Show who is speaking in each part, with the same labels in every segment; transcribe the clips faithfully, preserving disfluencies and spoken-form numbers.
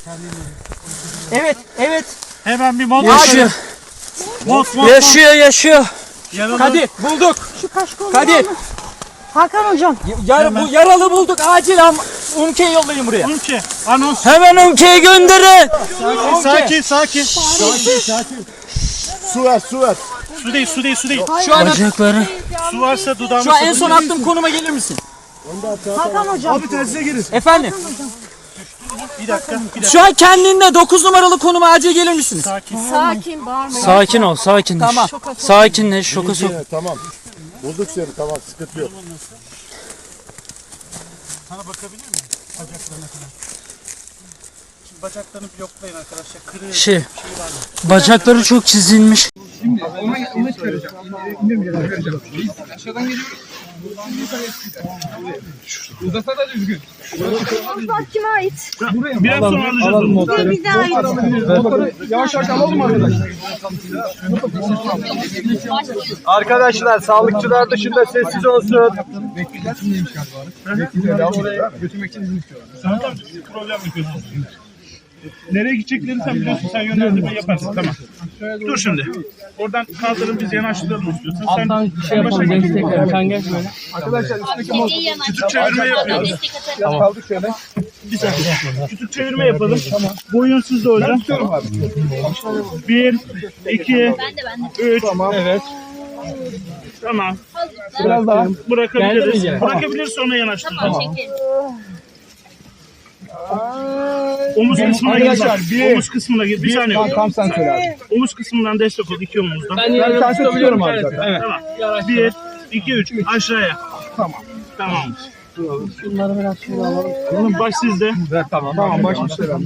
Speaker 1: Evet, evet.
Speaker 2: Hemen bir mont.
Speaker 1: Yaşıyor.
Speaker 2: Mont, mont,
Speaker 1: Yaşıyor, yaşıyor.
Speaker 2: Yaralı.
Speaker 1: Kadir, bulduk.
Speaker 3: Şu kaşkolu
Speaker 1: Kadir.
Speaker 3: Hakan hocam.
Speaker 1: Yar, bu yaralı bulduk. Acil am Umke'yi yollayın buraya.
Speaker 2: Umke. Anons.
Speaker 1: Hemen Umke'yi gönderin.
Speaker 2: Sakin, sakin.
Speaker 4: Sakin, sakin. Su ver, su ver.
Speaker 2: Su değil, su değil, su değil.
Speaker 1: Şu an,
Speaker 5: Bacakları.
Speaker 2: Su varsa dudağımı
Speaker 1: şu an en son attığım konuma gelir misin?
Speaker 3: Hakan hocam.
Speaker 4: Abi tersine girin.
Speaker 1: Efendim?
Speaker 2: Bir dakika, bir dakika.
Speaker 1: Şu an kendinde dokuz numaralı konuma acil gelir misiniz?
Speaker 2: Sakin.
Speaker 3: Sakin bağırmayın.
Speaker 5: Sakin ol, sakinleş.
Speaker 1: Tamam.
Speaker 5: Sakinleş, şoka sok.
Speaker 4: Yine, tamam. Bulduk seni, tamam, sıkıntı yok.
Speaker 2: Sana bakabilir miyim? Bacaklarına kadar. Şimdi bacaklarını bir yoklayın arkadaşlar. Kırığı.
Speaker 5: Şey, bacakları çok çizilmiş.
Speaker 3: Bak kime ait?
Speaker 2: Biraz sonra alacağız onu.
Speaker 3: Bu bize ait.
Speaker 6: Yavaş yavaş alalım arkadaşlar. Arkadaşlar sağlıkçılar dışında sessiz olsun. Oraya götürmek için izin istiyorlar.
Speaker 2: Sana da problem yapıyorsun. Nereye gideceklerini sen biliyorsun. Sen yönlendirme yaparsın. Tamam. Dur şimdi. Oradan kaldırın biz yanaştıralım istiyorsan. Sen
Speaker 5: Şey yapalım, destek Sen geç böyle.
Speaker 6: Arkadaşlar üstteki mont
Speaker 2: küçük çevirme yapıyoruz.
Speaker 6: kaldık şöyle.
Speaker 2: Bir saniye. Küçük çevirme yapalım. Boyun sizde hocam. Bir, iki, üç.
Speaker 6: Tamam.
Speaker 2: Evet. Tamam.
Speaker 6: Biraz daha.
Speaker 2: Bırakabiliriz. Bırakabiliriz sonra yanaştıralım. Omuz kısmına
Speaker 6: Arkadaşlar,
Speaker 2: gir.
Speaker 6: bir-
Speaker 2: Omuz kısmına gir. Bir saniye.
Speaker 6: Tam, tam sen söyle abi.
Speaker 2: Omuz kısmından destek ol. İki omuzdan.
Speaker 6: Ben tersi tutuyorum abi zaten. Evet.
Speaker 2: Tamam. Bir, iki, üç. Aşağıya.
Speaker 6: Tamam.
Speaker 2: Tamam.
Speaker 3: Şunları biraz şöyle alalım.
Speaker 2: Bunun baş sizde.
Speaker 6: Evet, tamam. Tamam başmışlar abi.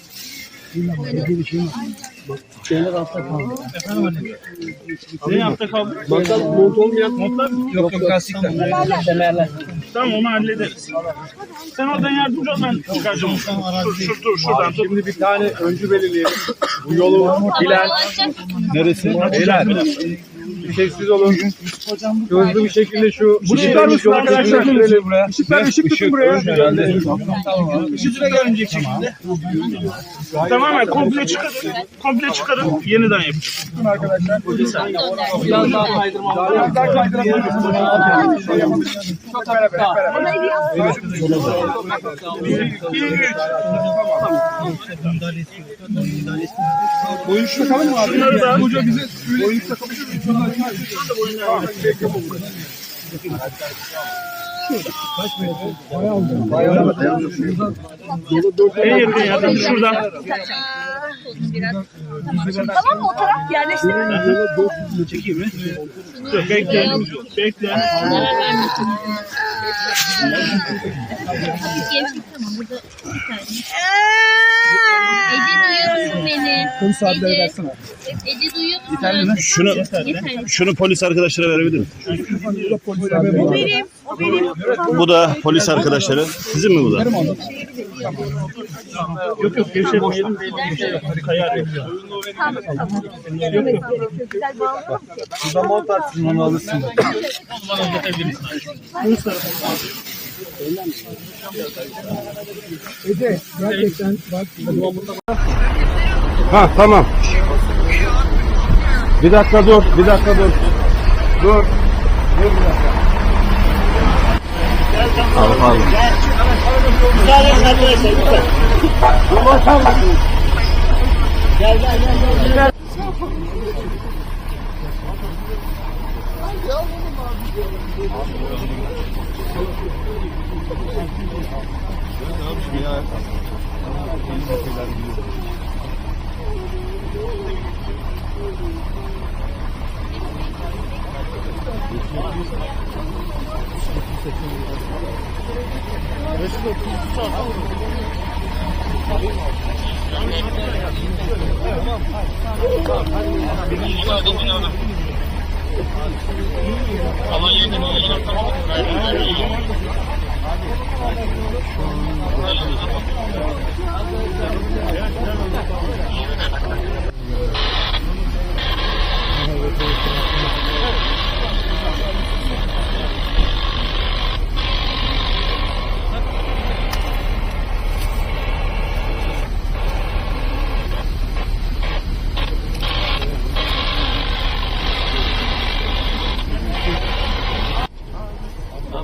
Speaker 2: Ne yaptı kaldı?
Speaker 6: Bakalım mont olmayan
Speaker 2: Montlar mı?
Speaker 6: Yok yok lastikler.
Speaker 2: Tamam onu hallederiz. Sen oradan yardımcı ol ben çıkaracağım. Dur, şur, dur şuradan tut.
Speaker 6: Şimdi bir tane öncü belirleyelim. Bu yolu bilen neresi? Beyler. Bir sessiz olun. Hızlı bir şekilde şu
Speaker 2: Bunu çıkar mısın arkadaşlar?
Speaker 6: buraya. Işıklar ışık tutun buraya.
Speaker 2: Işıklara görünecek şekilde. Tamamen komple çıkarın. Komple çıkarın. Yeniden yapın.
Speaker 6: Tutun arkadaşlar.
Speaker 2: Biraz daha kaydırma.
Speaker 6: Biraz daha kaydırabiliriz. Çok beraber.
Speaker 2: Bir, iki, üç.
Speaker 6: Boyun şu takalım mı abi?
Speaker 2: Şunları da.
Speaker 6: Hoca bize boyun takabilir miyiz? Tamam.
Speaker 2: En yakın yardım şuradan.
Speaker 3: Tamam mı o taraf yerleştirelim.
Speaker 2: Çekeyim mi? Dur bekle. Bekle.
Speaker 7: Ece duyuyor musun beni?
Speaker 6: Kum saatleri versene.
Speaker 7: Ece duyuyor musun?
Speaker 2: Şunu, şunu polis arkadaşlara verebilir miyim?
Speaker 3: O benim. O benim.
Speaker 2: Bu da polis arkadaşları. Sizin mi bu da? Yok yok gevşetmeyelim. Kayar yok.
Speaker 3: Tamam tamam. Yemek gerekiyor. Güzel bağlayalım ki.
Speaker 6: Burada mont atsın onu alırsın. Ece gerçekten bak.
Speaker 4: Ha tamam. Bir dakika dur, bir dakika dur. Dur. Dur bir dakika. Al al.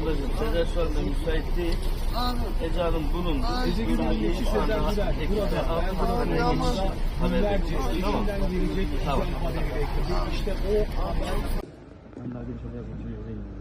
Speaker 8: Ablacığım Sezer şu anda müsait değil. Ece Hanım bulundu. Biz bölümü şu anda ekipte altı haber bekliyoruz. Tamam. Tamam.
Speaker 6: İşte o